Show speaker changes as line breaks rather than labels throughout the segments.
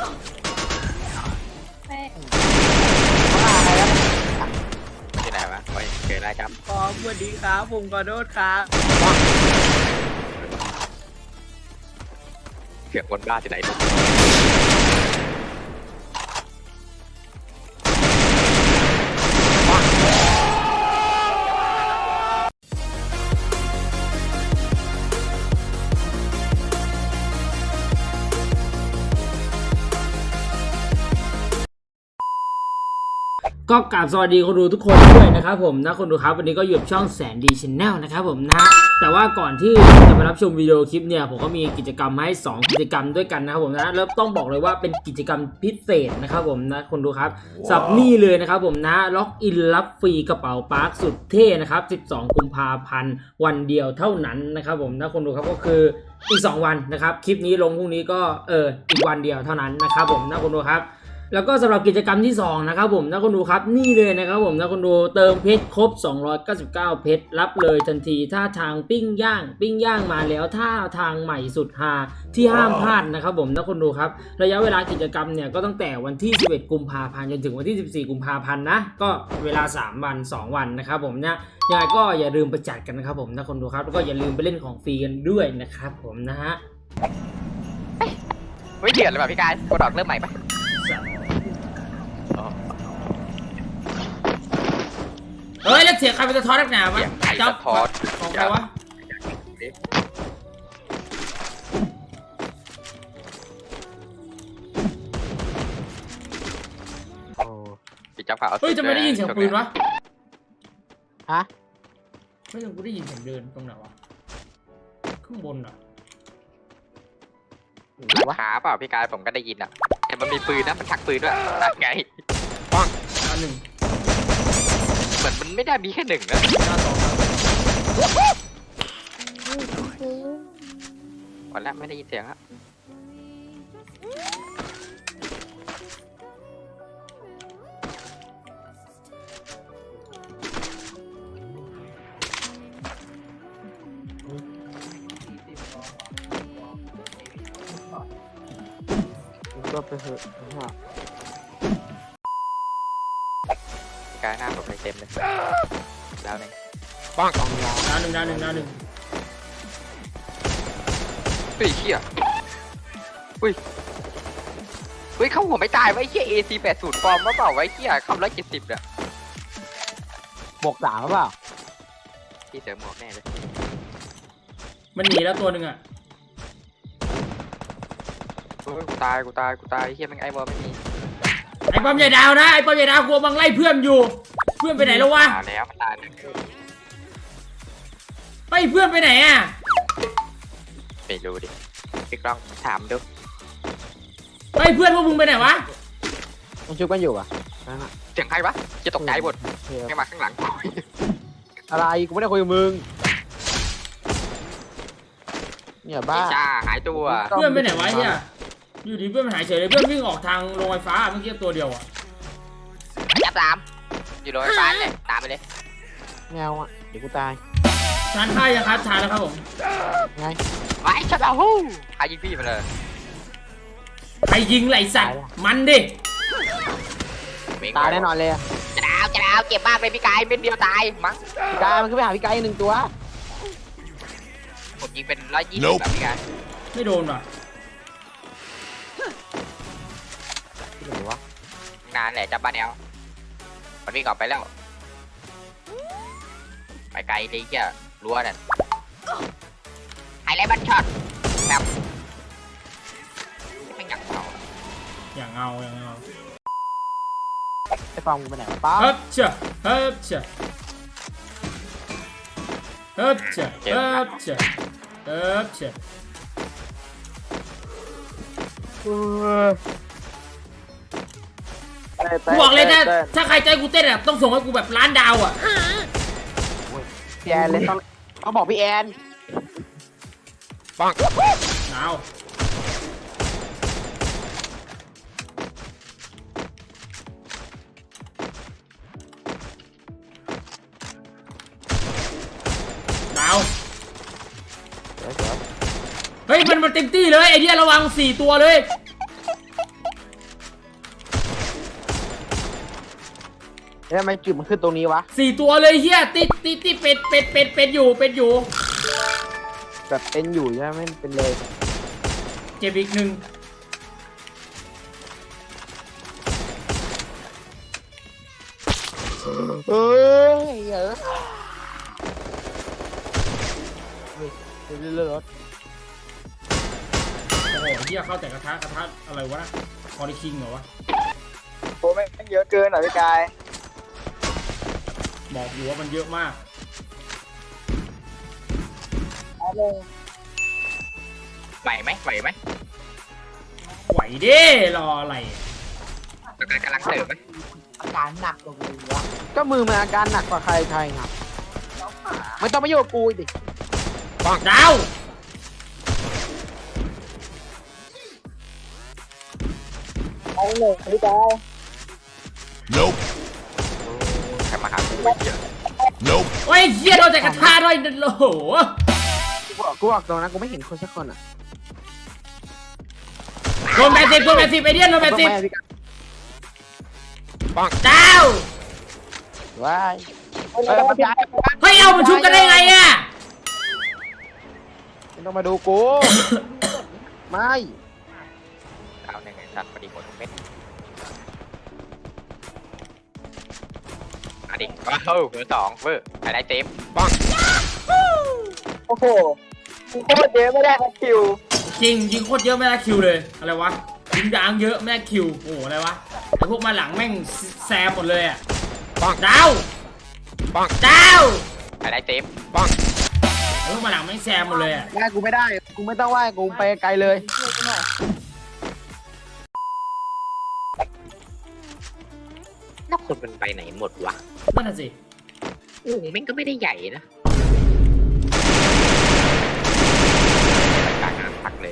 ที่ไหนวะโอ้ยเจอได้ครับ
ขอสวัสดีครับผมขอโทษครับ
เสียงคนบ้าที่ไหน
ก็กราบสวัสดีคนดูทุกคนด้วยนะครับผมนะคนดูครับวันนี้ก็อยู่กับช่องแสนดีชาแนลนะครับผมนะฮะแต่ว่าก่อนที่จะไปรับชมวิดีโอคลิปเนี่ยผมก็มีกิจกรรมมาให้2กิจกรรมด้วยกันนะครับผมนะแล้วต้องบอกเลยว่าเป็นกิจกรรมพิเศษนะครับผมนะคนดูครับสับนี่เลยนะครับผมนะล็อกอินรับฟรีกระเป๋าปาร์คสุดเท่นะครับ12กุมภาพันธ์วันเดียวเท่านั้นนะครับผมนะคนดูครับก็คืออีก2วันนะครับคลิปนี้ลงพรุ่งนี้ก็อีกวันเดียวเท่านั้นนะครับผมนะคนดูครับแล้วก็สำหรับกิจกรรมที่2นะครับผมนะคนดูครับนี่เลยนะครับผมนะคนดูเติมเพชรครบ299เพชรรับเลยทันทีถ้าทางปิ้งย่างมาแล้วถ้าทางใหม่สุดฮาที่ห้ามพลาดนะครับผมนะคนดูครับระยะเวลากิจกรรมเนี่ยก็ตั้งแต่วันที่11กุมภาพันธ์จนถึงวันที่14กุมภาพันธ์นะก็เวลา3วัน2วันนะครับผมเนี่ยยังไงก็อย่าลืมไปจัดกันนะครับผมนะคนดูครับแล้วก็อย่าลืมไปเล่นของฟรีกันด้วยนะครับผมนะฮะ
ไม่เดือดเลยป่ะพี่กายกดออกเริ่มใหม่ปะ
เฮ้ยแล้วเสียงใครเป็นสะท้อนนักหนาวะ
เจ้าทอด
ของใครวะ
พี่เจ้าข่าว
เฮ้ยจะไม่ได้ยินเสียงปืนวะ
ฮะ
ไม่ยังกูได้ยินเสียงเดินตรงไหนวะข้างบนอ่ะ
ขาเปล่าพี่กายผมก็ได้ยินอ่ะแต่มันมีปืนนะมันชักปืนด้วยนั่นไงปัง
อันหนึ่ง
เหมือนมันไม่ได้มีแค่หนึ่งนะวันแรกไม่ได้ยินเสียงครับ
ก็ไปเถอะ
กายหน้าผมเต็มเลยแล้วเนี่ยปัง
ดาวหนึ่ง
เฮ้ยเขี้ยอุ้ยเข้าหัวไม่ตายไว้เขี้ย AC80 ปลอมมาเปล่าไว้เขี้ยคำ170เนี่ย
บวก3หรือเปล่า
ที่เสริมหมวกแน่เลย
มันหนีแล้วตัวหนึ่งอ่ะ
กูตายเฮียมันไอ้บอลไม่มี
ไอ้ป้อมใหญ่ดาวนะไอ้ป้อมใหญ่ดาวกลัวบังไล่เพื่อนอยู่เพื่อนไปไหนแล้ววะ
ตายแล้วมันตาย
ไปเพื่อนไปไหนอ่ะ
ไม่รู้ดิพี่กล้องถามดู
ไปเพื่อนพวกมึงไปไหนวะ
มันชุบกันอยู่อ่ะ
เสียงใครวะจะตกใจหมดให้มาข้างหลัง
อะไรกูไม่ได้คุยกับมึงเนี่ยบ้า
จ้าหายตัว
เพื่อนไปไหนวะเนี่ยอยู่ดีเพื่อนมันหายเฉยเลยเพื่อนวิ่งออกทางโรงไฟฟ้าเมื่อกี้ตัวเดียวอ่ะ
จับตามอยู่โรงไฟฟ้าเลยตามไปเลย
แมวอ่ะเดี๋ยวกูตาย
ชาร์จท่ายังครับชาร์จแล้วครับผม
ไง
ไอ้ชัดเอาฮู้ใครยิงพี่มาเลย
ใครยิงไหลสัตว์มันดิ
ตายแน่นอนเลย
จะดาวเก็บมากเลยพี่กายเป็นเดียวตายมั้ง
พี่กายมันขึ้นไปหาพี่กาย1ตัว
ผมยิงเป็น120แบบพี่กาย
ไม่โดนว่ะ
หรือวะ
นานแหละจับบ้านแนวมันวิ่งออกไปแล้วไปไกลเลยแค่รั้วนั่นไฮไลท์บัตช็อตแบบไม่อยากเอา
อย่างเงา
ไอ้ฟองกูไปไหนวะป้า
เฮ้ยเชื่อกูบอกเลยนะถ้าใครใจกูเต้นอ่ะต้องส่งให้กูแบบล้านดาวอ่ะ
พี่แอนเลยต้องบอกพี่แอน
ปัง
ดาวเฮ้ยมันเต็มที่เลยไอเดียระวัง4ตัวเลย
แล้วทำไมจุดมันขึ้นตรงนี้วะ
4 ตัวเลยเฮียติดเป็ดอยู่
แบบเป็นอยู่ใช่ไหมไม่เป็นเลย
เจ็บอีกหนึ่ง
เอ้ยเรื่อยๆรถ
โอ้โหเฮียเข้าแต่กระทะอะไรวะนะคอริคิงเหรอวะ
โอ้ไม่เยอะเกินหน่อยพี่กาย
บอกอยู่ว่ามันเยอะมาก
ไหวไหม
ไหวเด้รออะไร
กำลังเสิร์ฟไหม
อาการหนักกว่ากูวะ
ก็มือมันอาการหนักกว่าใครครับไม่ต้องมาโยกกูดิ
ดาว
เอาเลยพี่กาย
Nope.
ใครมาหากูไอ้เหี้ย
Nope.
โอ้ยเฮียโดนแต่กระทะด้วยโอ้โห
กูบอกตรงนะกูไม่เห็นคนสักคนอ่ะ
โดน80ไอเดียนโดน
ต้องแม่พี่กาย
80ดาว
ว้าย
พี่กาย
เฮ้ยเอามันชุบกันได้ไงอะ
ไม่ต้องมาดูกู ไม่
เอาหนึ่งไอ้สัตว์พอดีหมดทุกเม็ดอันนี้ว้าวเบอร์2เบอร์อะไรเต็ม
โอ้โหกูโคตรเยอะไม่ได้คิว
จริงยิงโคตรเยอะไม่ได้คิวเลยอะไรวะยิงยางเยอะไม่ได้คิวโอ้โหอะไรวะไอพวกมาหลังแม่งแซมหมดเลยอะดาวดาว
อะไรเต็ม
ไอพวกมาหลังแม่งแซมหมดเลยอะ
ไหว้กูไม่ได้ กูไม่ต้องไหว้กูไปไกลเลย
ช่วยกูหน่อย
แล้วคนมันไปไหนหมดวะ
นั่นน่ะสิ
โอ้โหแม่งก็ไม่ได้ใหญ่นะการงานพักเลย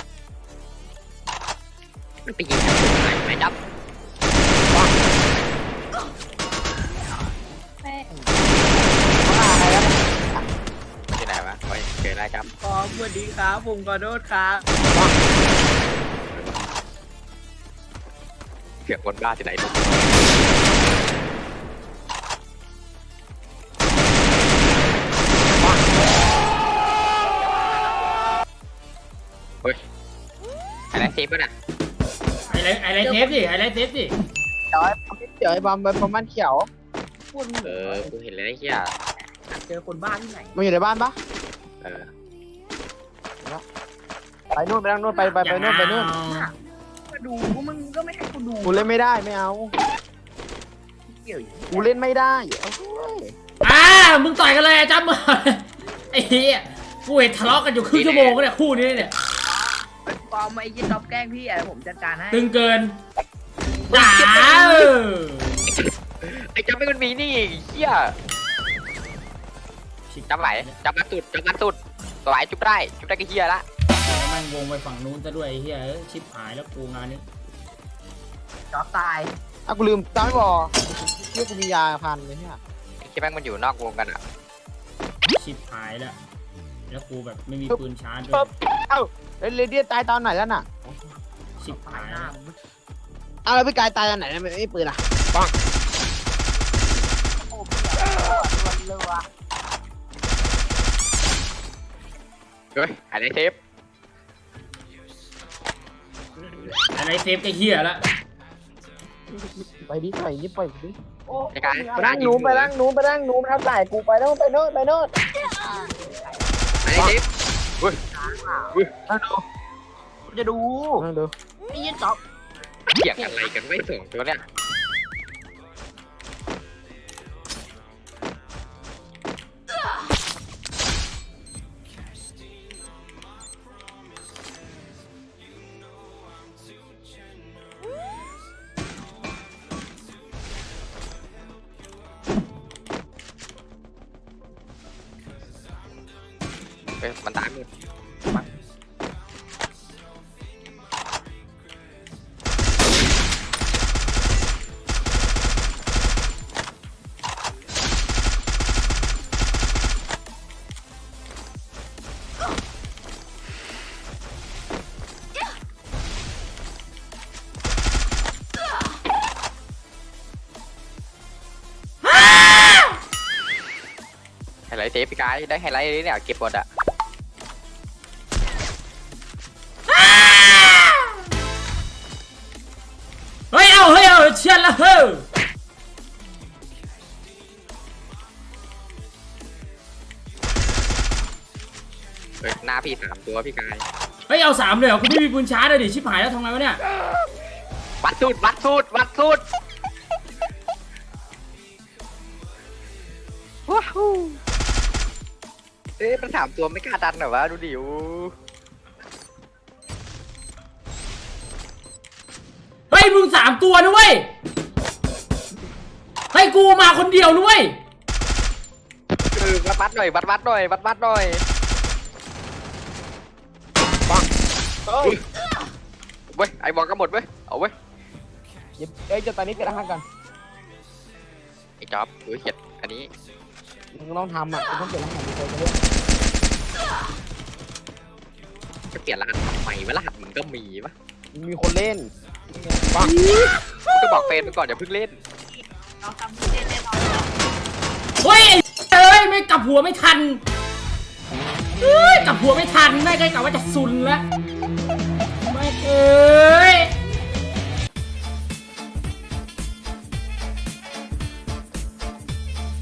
มันไปยิงกันตรงไหนไม่ดับ
แม่ง
ที่ไหนวะเฮ้ยเจอแล้วจับ
ขอสวัสดีครับผมขอโทษครับ
เกือบคนบ้าที่ไหนลูกเฮ้ยอะไรเซฟป่ะน่ะ
ไอไรเทปดิไอไรเทปดิ
เดี๋ยวไอ้บอมไปประมาณเขียว
พูด
กูเห็นเลยไอ้เหี้ย
เจอคนบ้าที่ไหน
มันอยู่ในบ้านปะ
เออ
ไปนู่นไปนั่งนู่นไปนู่นไปนู่น
มาดูกูมึงก็ไม่ให้กูดู
กูเล่นไม่ได้ไม่เอา
เกี่ยวอยู่
กูเล่นไม่ได้เอาเว้ย
มึงต่อยกันเลยอะจับมือไอ้เหี้ยกูเห็นทะเลาะกันอยู่ครึ่งชั่วโมงเนี่ยคู่นี้เนี่ย
ปอมไอ้ยี่ต๊อบแกล้งพี่อะไรผมจัดการให้
ตึงเกินด่า
ไอ้จับไม่มันมีนี่ไอ้เหี้ยจับไหวจับมาสุดตัวไหวจุบได้ก็เหี้ยละ
แม่งวงไปฝั่งนู้นซะด้วยไอ้เหี้ยชิบหายแล้วกูงานนี้
จ๊อบตาย
อ่ะกูลืมตาไม่บอกเชื่อกูมียาพันเลยเนี่ย
ไอ้เหี้ยแม่งมันอยู่นอกวงกันอ่ะ
ชิบหายแล้วกูแบบไม่มีปืนชาร์จด้วย
เอ้าเรเดียตายตอนไหนแล้วน่ะ
ชิบ
ตา
หาย ย
หน้า
แล้ว
มึง
เอาแล้วพี่กายตายตอนไหนไม่ปืนอ่ะ
โอ้พี่เลยวะ
เฮ้ยอะไรเซฟ
อะไรเซฟไอ้เหี้ยละ
ไปดิไปนี่ไปดิ
โอ้
ไอ้การ
ไปนั่งหนูไปนั่งหนูไปนั่งหนูมาทำไหนกูไปโน่นไปโน่นไปโน่น
อะไรเซฟเฮ้ย
นั่งดู
จะดู
นั่งดู
ไอ้ยี่ต๊อบ
เกี่ยงอะไรกันไม่ส่งตัวเนี่ยมันตายหมดเซฟพี่กายได้ไฮไลท์เลยเนี่ยเก็บหมดอะ
เฮ้ยเอาเชียนละเฮ้ย
เฮ้ยหน้าพี่3 ตัวพี่กาย
เฮ้ยเอา3เลยเหรอกูไม่มีปืนชาร์จเลยดิชิบหายแล้วทำไงวะเนี่ย
วัดสูตรว้าวมัน3 ตัวไม่กล้าดันเหรอวะดูดิว
เฮ้ยมึง3 ตัวนะเว้ยให้กูมาคนเดียวนะเว้ย
วัดหน่อยวัดหน่อยปังเว้ยไอบอลก็หมดเว้ยเอาเว้ย
เอ้ยจะตอนนี้เปลี่ยนรหัสกัน
ไอจ๊อบเขียดอันนี้
มึงต้องทำอ่ะมึงต้องเปลี่ยนรหัสไปเลย
จะเปลี่ยนรหัสทำไมวะรหัสมึงก็มีปะ
มีคนเล่น
ปังก็บอกเฟนไปก่อนอย่าเพิ่งเล่น
เราทำเล่นแน่นอน
เฮ้ยไอ้เอ้ยไม่กลับหัวไม่ทันเฮ้ยกลับหัวไม่ทันแม่ก็กะว่าจะซุนแล้วไม่เอ้ย